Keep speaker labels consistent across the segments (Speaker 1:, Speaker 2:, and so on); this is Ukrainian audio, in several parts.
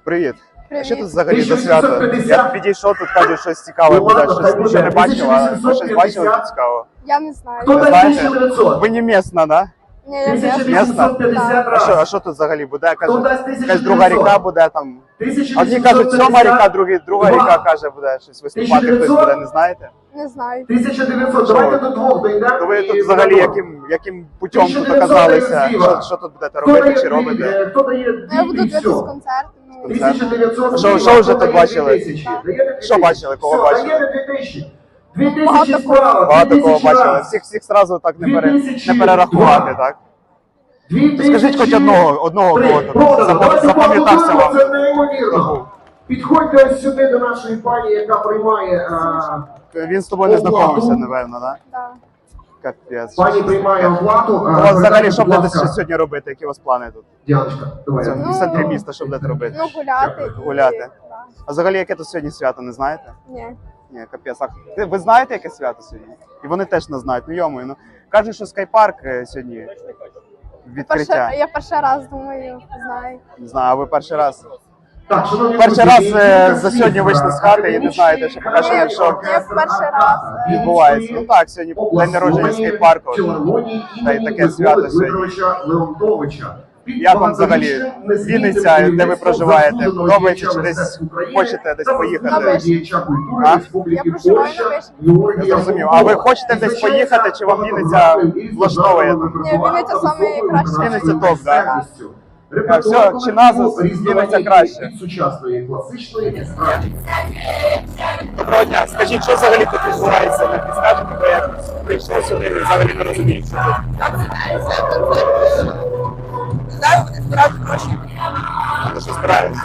Speaker 1: Привіт.
Speaker 2: Привіт.
Speaker 1: Що тут взагалі за свято? Я підійшов, тут кажуть, щось цікаве буде, щось нічого не бачив, а ви щось бачили тут цікавого?
Speaker 2: Я не знаю.
Speaker 1: Не знаєте? Ви не місна, да?
Speaker 2: Ні, я не
Speaker 1: Місна? А що тут взагалі буде? Якась друга ріка буде там. Одні кажуть, сьома ріка, другі друга ріка каже, буде щось виступати, хтось буде, не знаєте?
Speaker 2: Не знаю.
Speaker 3: 1900, давайте до двох дійдемо.
Speaker 1: То ви тут взагалі яким путем тут оказалися? Що тут будете робити чи робите?
Speaker 3: Хто дає
Speaker 2: Я буду дивитися концерт. Ну,
Speaker 3: 1900.
Speaker 1: Що вже тут бачили? Що бачили, кого бачили?
Speaker 3: 2000 справа.
Speaker 1: Багато кого бачили. Всіх зразу так не перерахувати, так? Скажіть хоч одного кого тут запам'ятався вам.
Speaker 3: Це неймовірно. Підходьте ось сюди до нашої пані, яка приймає...
Speaker 1: Він з тобою не знайомився, напевно, так?
Speaker 2: да.
Speaker 1: Капець.
Speaker 3: Пані приймає оплату.
Speaker 1: У вас взагалі що будете сьогодні робити? Які у вас плани тут?
Speaker 3: Діаночка, давай.
Speaker 1: В центрі міста що будете робити?
Speaker 2: Ну, гуляти.
Speaker 1: Гуляти.
Speaker 2: Да.
Speaker 1: А взагалі яке тут сьогодні свято, не знаєте?
Speaker 2: Ні.
Speaker 1: Ні, капець. Ви знаєте, яке свято сьогодні? І вони теж не знають. Ну йому, ну кажуть, що скайпарк сьогодні відкриття.
Speaker 2: Я перший раз думаю, знаю.
Speaker 1: Не знаю, а ви перший раз?
Speaker 3: Так, шановні
Speaker 1: Перший
Speaker 3: друзі,
Speaker 1: раз за сьогодні вийшли з хати і не знаєте, що поки що що
Speaker 2: Я перший раз.
Speaker 1: відбувається. Ну так, сьогодні день народження скейпарку. Та й таке свято сьогодні. Як вам взагалі Вінниця, де ви проживаєте? Подобається чи десь хочете десь поїхати? А?
Speaker 2: Я проживаю на Вишні.
Speaker 1: Я зрозумів. А ви хочете десь поїхати, чи вам Вінниця влаштовує там?
Speaker 2: Ні, Вінниця самий кращий.
Speaker 1: Вінниця топ, так? Все, чи назва Вінниця краще?
Speaker 3: Сучасної класичної естради.
Speaker 1: Доброго дня. Скажіть, що взагалі тут відбувається? Не підскажете, бо я прийшов сюди і взагалі не розумію, що тут.
Speaker 4: Зараз вони збирають гроші.
Speaker 1: Вони що збираються?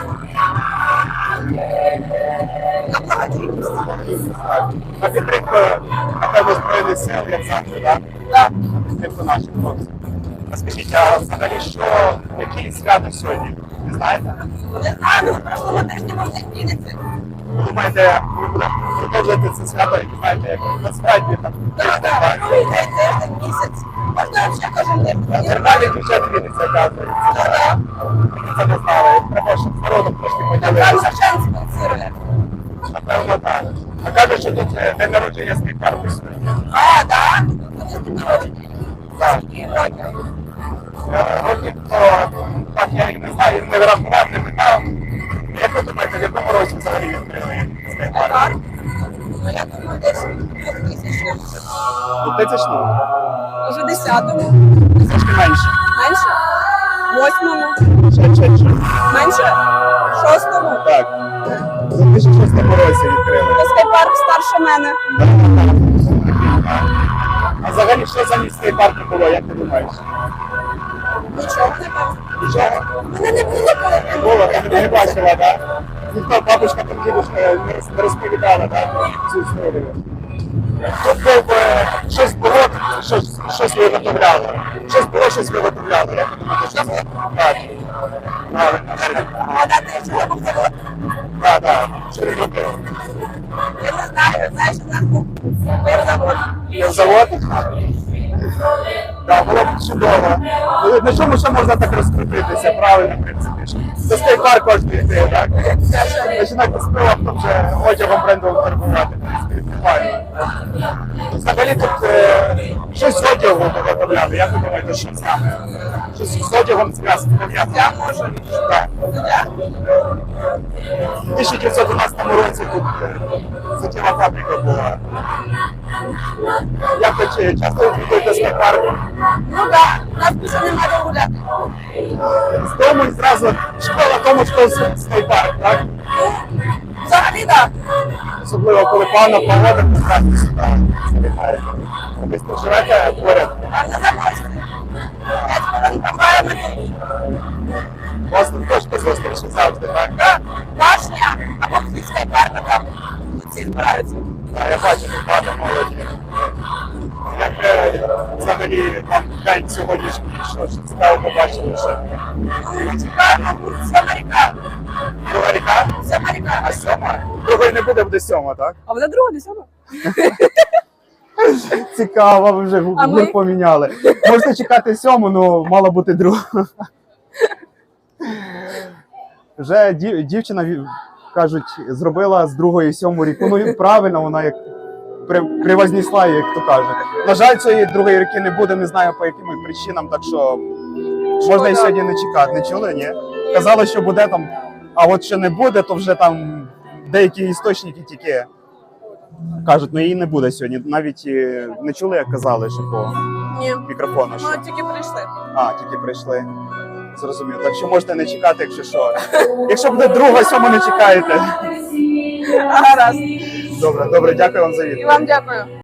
Speaker 4: На благодійність.
Speaker 1: На підтримку, напевно, Збройних сил, як завжди, так?
Speaker 4: Так.
Speaker 1: На підтримку наших хлопців. А скажіть, а взагалі що, які свято сьогодні? Не знаєте?
Speaker 4: Не знаю, на прошлому тижні можна змінити.
Speaker 1: Ви думаєте, ви будете продовжувати це свято, і знаєте, як насправді там?
Speaker 4: Так, другий день, тиждень, місяць. Можна ще кожен день.
Speaker 1: Нормальний бюджет Вінниці, оказується. Ми це не знали. Треба, щоб з народом трошки
Speaker 4: Там
Speaker 1: поділилися.
Speaker 4: Шевченці спонсирує.
Speaker 1: Напевно, так. А кажуть, що тут день народження скейпарку сьогодні.
Speaker 4: А, так? Вони з днем народження.
Speaker 1: Так.
Speaker 4: Роки.
Speaker 1: Років, то так я і не знаю, не врахував, не питав. Як ви думаєте, в якому році взагалі відкрили скейпарк?
Speaker 4: Так. Ну, я думаю, десь 2000.
Speaker 1: У 2000-му?
Speaker 4: Уже 10-му.
Speaker 1: Трошки менше.
Speaker 4: Менше? 8-му.
Speaker 1: Ще.
Speaker 4: Менше? 6-му.
Speaker 1: Так. У 2006 році відкрили.
Speaker 4: То скайпарк старше мене.
Speaker 1: А взагалі, що замість скейпарку було, як ти думаєш?
Speaker 4: Нічого не було.
Speaker 1: Нічого?
Speaker 4: Мене не було коли.
Speaker 1: Не було, ти не бачила, так? Ніхто, бабушка, там дідушка не розповідала, так, цю історію. Тут був, щось було, щось виготовляли. Щось було, щось виготовляли. Як ви думаєте, що це? Так. Правильно.
Speaker 4: Гадати, що я був завод.
Speaker 1: Так. Що він робив?
Speaker 4: Я не знаю, знаєш, у нас був завод.
Speaker 1: Є завод? Так, було б чудово. Ну, на чому ще можна так розкрутитися, правильно, в принципі. До скейпарк кожен йти, так? Починати з пива, потім вже одягом брендовим торгувати, в принципі, файно. Взагалі тут щось з одягом виготовляли, як ви думаєте, що саме? Щось з одягом зв'язку пов'язано? Я можу. Так. У 1911 році тут суттєва фабрика була. Як ви часто відвідуєте скейпарк?
Speaker 4: Ну так, нас більше немає де гуляти.
Speaker 1: З дому і зразу школа, тому що скейпарк, так?
Speaker 4: Взагалі так.
Speaker 1: Особливо, коли погана погода, то зразу сюди скейпарк. Ви тут живете поряд?
Speaker 4: А не заморське. Я тебе не пам'ятаю.
Speaker 1: У вас тут точно зустрічі завжди, так?
Speaker 4: Так, башня, або хтось скайпарка там. Всі збираються.
Speaker 1: Так, я бачу, тут багато молоді. Як взагалі там день сьогоднішній, що цікаво побачили, що
Speaker 4: Чекаємо, сьома ріка.
Speaker 1: друга ріка?
Speaker 4: Сьома ріка.
Speaker 1: А сьома? Другої не буде, буде сьома, так?
Speaker 4: А вона друга, не сьома?
Speaker 1: Цікаво, ви вже
Speaker 4: А ми?
Speaker 1: гур поміняли. Можна чекати сьому, але мала бути друга. Вже дівчина, кажуть, зробила з 2-ї 7 ріку. Ну і правильно, вона як привознесла її, як то кажуть. На жаль, цієї 2-ї ріки не буде, не знаю по яким причинам, так що можна і сьогодні не чекати. Не чули, ні? Казали, що буде там, а от що не буде, то вже там деякі істочники тільки кажуть, ну її не буде сьогодні. Навіть не чули, як казали, що по
Speaker 5: Ні,
Speaker 1: мікрофону. Що?
Speaker 5: ну тільки прийшли.
Speaker 1: А, тільки прийшли. Зрозуміло. Так що можете не чекати, якщо що. Якщо буде 2-га, 7 не чекаєте.
Speaker 5: Гаразд.
Speaker 1: Добре, дякую вам за відповідь.
Speaker 5: І вам дякую.